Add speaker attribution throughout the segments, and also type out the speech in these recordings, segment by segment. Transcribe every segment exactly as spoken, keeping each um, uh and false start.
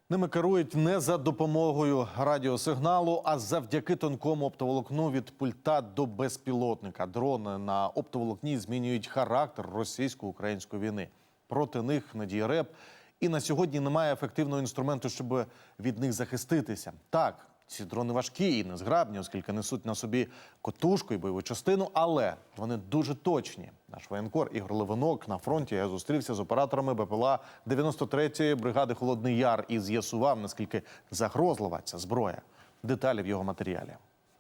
Speaker 1: Ними керують не за допомогою радіосигналу, а завдяки тонкому оптоволокну від пульта до безпілотника. Дрони на оптоволокні змінюють характер російсько-української війни. Проти них надіє РЕБ. І на сьогодні немає ефективного інструменту, щоб від них захиститися. Так, ці дрони важкі і незграбні, оскільки несуть на собі котушку і бойову частину, але вони дуже точні. Наш воєнкор Ігор Левинок на фронті я зустрівся з операторами БПЛА дев'яносто третьої бригади «Холодний Яр» і з'ясував, наскільки загрозлива ця зброя. Деталі в його матеріалі.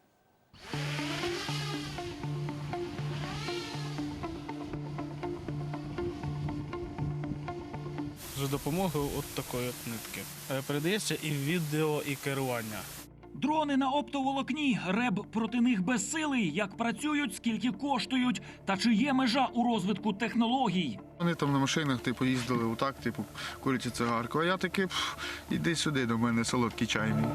Speaker 2: За допомогою от такої от нитки. Передається і відео, і керування.
Speaker 3: Дрони на оптоволокні. РЕБ проти них безсилий. Як працюють, скільки коштують, та чи є межа у розвитку технологій.
Speaker 4: Вони там на машинах типу, їздили отак, типу, курять цигарку. А я такий, пф, іди сюди до мене, солодкий чай мій.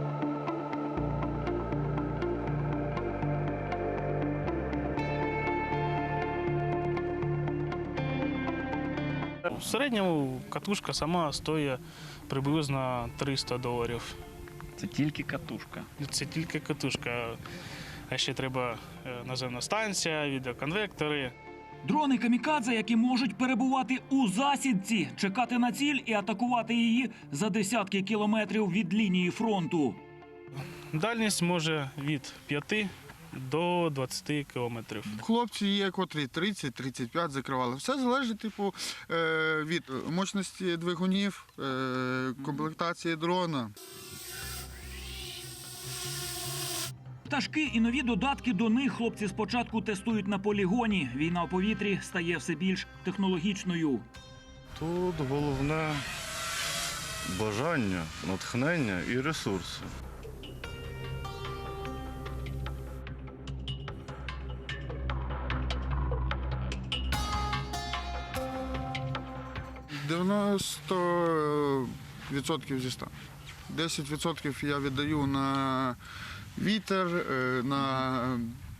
Speaker 2: В середньому катушка сама стоїть приблизно триста доларів.
Speaker 5: Це тільки катушка.
Speaker 2: Це тільки катушка. А ще треба наземна станція, відеоконвектори.
Speaker 3: Дрони камікадзе, які можуть перебувати у засідці, чекати на ціль і атакувати її за десятки кілометрів від лінії фронту.
Speaker 2: Дальність може від п'яти до двадцяти кілометрів.
Speaker 4: Хлопці є, котрі тридцять тридцять п'ять закривали. Все залежить типу, від мощності двигунів, комплектації дрона.
Speaker 3: Пташки і нові додатки до них хлопці спочатку тестують на полігоні. Війна у повітрі стає все більш технологічною.
Speaker 6: Тут головне бажання, натхнення і ресурси.
Speaker 4: дев'яносто відсотків зі ста. десять відсотків я віддаю на вітер, на,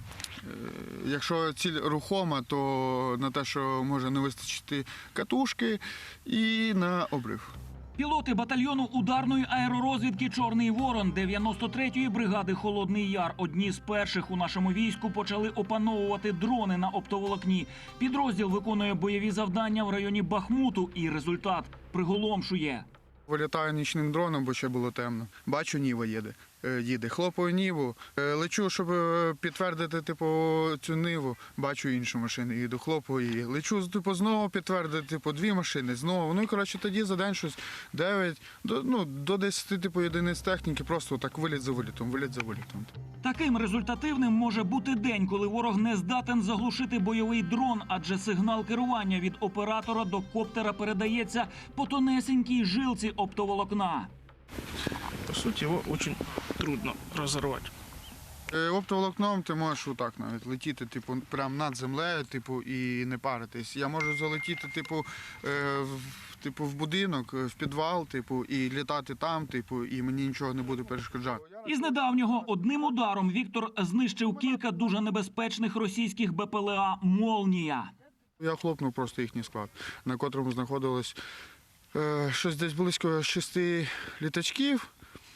Speaker 4: якщо ціль рухома, то на те, що може не вистачити катушки, і на обрив.
Speaker 3: Пілоти батальйону ударної аеророзвідки «Чорний ворон» дев'яносто третьої бригади «Холодний Яр» одні з перших у нашому війську почали опановувати дрони на оптоволокні. Підрозділ виконує бойові завдання в районі Бахмуту, і результат приголомшує.
Speaker 4: Вилітаю нічним дроном, бо ще було темно. Бачу, Ніва їде. їде. Хлопаю Ніву. Лечу, щоб підтвердити типу, цю Ниву. Бачу іншу машину, їду, хлопаю її. Лечу типу, знову підтвердити типу, дві машини, знову. Ну і коротше, тоді за день щось дев'ять, до, ну, до десяти типу, єдиниць техніки, просто так виліт за вилітом, виліт за вилітом.
Speaker 3: Таким результативним може бути день, коли ворог не здатен заглушити бойовий дрон, адже сигнал керування від оператора до коптера передається по тонесенькій жилці оптоволокна.
Speaker 2: По суті, його дуже трудно розірвати.
Speaker 4: Оптоволокном ти можеш отак навіть летіти, типу, прямо над землею, типу, і не паритись. Я можу залетіти, типу, в, типу, в будинок, в підвал, типу, і літати там, типу, і мені нічого не буде перешкоджати.
Speaker 3: Із недавнього одним ударом Віктор знищив кілька дуже небезпечних російських БПЛА «Молнія».
Speaker 4: Я хлопнув просто їхній склад, на котрому знаходилось е, щось десь близько шести літачків,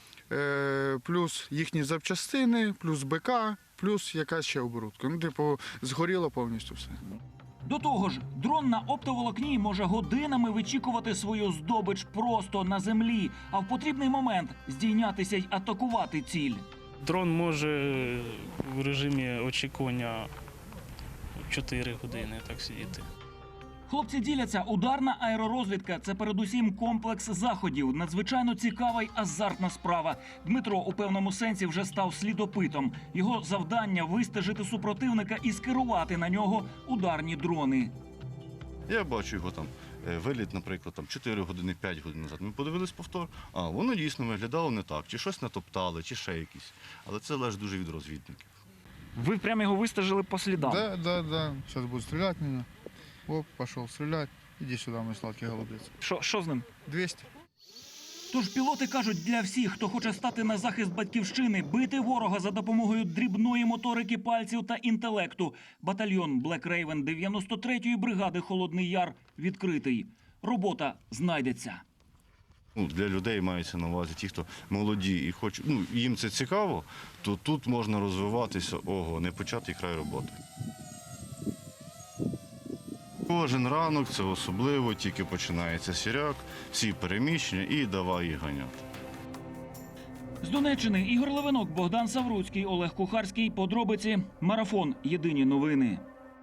Speaker 4: плюс їхні запчастини, плюс БК, плюс якась ще оборудка. Ну, типу, згоріло повністю все.
Speaker 3: До того ж, дрон на оптоволокні може годинами вичікувати свою здобич просто на землі, а в потрібний момент здійнятися й атакувати ціль.
Speaker 2: Дрон може в режимі очікування чотири години так сидіти.
Speaker 3: Хлопці діляться, ударна аеророзвідка – це передусім комплекс заходів. Надзвичайно цікава й азартна справа. Дмитро у певному сенсі вже став слідопитом. Його завдання – вистежити супротивника і скерувати на нього ударні дрони.
Speaker 6: Я бачу його там виліт, наприклад, там чотири години, п'ять годин назад. Ми подивились повтор, а воно дійсно виглядало не так. Чи щось натоптали, чи ще якісь. Але це залежить дуже від розвідників.
Speaker 3: Ви прямо його вистежили по слідам?
Speaker 4: Да, да, да. Зараз будуть стріляти мене. Оп, пішов стріляти. Іди сюди, мій сладкий голубець.
Speaker 3: Що, що з ним?
Speaker 4: двісті.
Speaker 3: Тож пілоти кажуть для всіх, хто хоче стати на захист батьківщини, бити ворога за допомогою дрібної моторики пальців та інтелекту. Батальйон Black Raven дев'яносто третьої бригади «Холодний Яр» відкритий. Робота знайдеться.
Speaker 6: Ну, для людей мається на увазі ті, хто молоді і хочуть, ну, їм це цікаво, то тут можна розвиватися, ого, не початий край роботи. Кожен ранок це особливо, тільки починається сіряк, всі переміщення і давай їх ганяти.
Speaker 3: З Донеччини Ігор Левинок, Богдан Савруцький, Олег Кухарський. Подробиці. Марафон. Єдині новини.